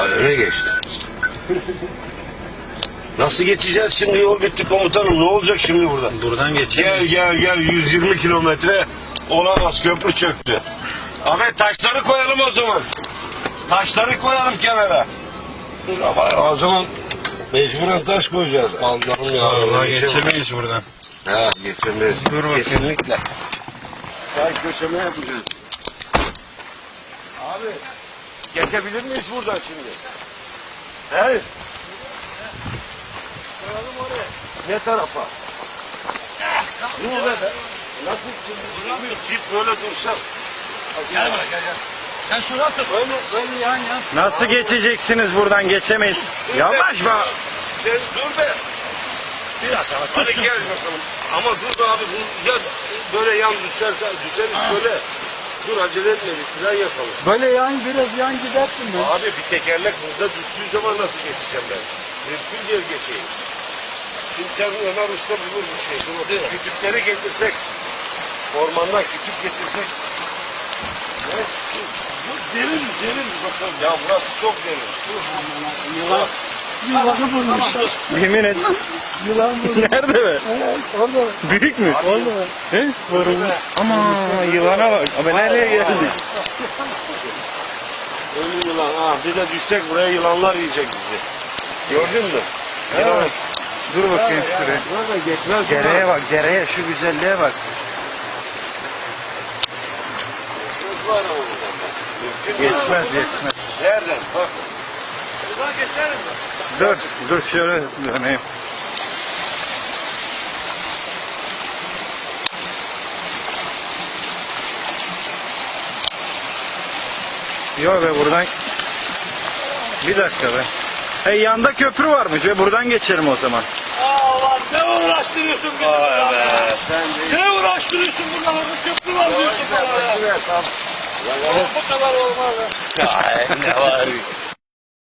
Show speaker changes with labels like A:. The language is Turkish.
A: Öne geçti. Nasıl geçeceğiz şimdi? Yol bitti komutanım. Ne olacak şimdi buradan?
B: Buradan geçelim.
A: Gel 120 kilometre olamaz, köprü çöktü. Ahmet taşları koyalım o zaman. Taşları koyalım kenara. Ama o zaman mecburen taş koyacağız. Allah'ım ya.
B: Allah geçemeyiz buradan.
A: Ha geçemeyiz.
B: Dur bakayım.
A: Kesinlikle. Taş köşeme yapacağız. Abi geçebilir miyiz buradan şimdi? He? Koyalım oraya. Ne tarafa? Ne oluyor be? Nasıl şimdi? Çift böyle dursak.
C: Gel buraya gel. Sen şuradan tut. Öyle yan.
B: Nasıl geçeceksiniz buradan geçemeyiz? Yavaş be.
A: Sen dur be.
C: Bir dakika bak.
A: Hadi gel bakalım. Ama dur be abi. Ya böyle yan düşeriz böyle. Dur acele etme bir fren yapalım.
C: Böyle biraz yan gidersin be.
A: Abi bir tekerlek burada düştüğü zaman nasıl geçeceğim ben? Mümkün değil geçeyim. Şimdi sen Ömer Usta bulur bir şey. Dur bakayım. Kütükleri getirsek. Ormandan kütük getirsek. Ne? Derin bakalım. Ya burası çok derin.
C: Yılanı bulmuşlar.
B: Yemin et.
C: Yılan bulmuşlar.
B: Nerede be?
C: Evet, orada.
B: Büyük mü?
C: Orada.
B: He? Ama yılana bak. Ama nereye geldi?
A: Ölü yılan. Ha, bir de düşsek buraya yılanlar yiyecek bizi. Gördün mü?
B: Evet. Dur bakayım şuraya.
A: Burada geçmez.
B: Dereye bak, dereye şu güzelliğe bak.
A: Var ama buradan bak. Mümkün değil.
B: Geçmez.
A: Nereden? Bak.
C: Buradan geçerim mi?
B: Dur şöyle döneyim. Yok be buradan. Bir dakika be. Hey yanda köprü varmış ve buradan geçelim o zaman.
C: Allah ne uğraştırıyorsun bizi
A: Vay be. Sen de
C: Ne uğraştırıyorsun burada? Köprü var diyorsun bana ya.
A: Tamam.
C: Bu kadar olmaz.
A: Ya ne var?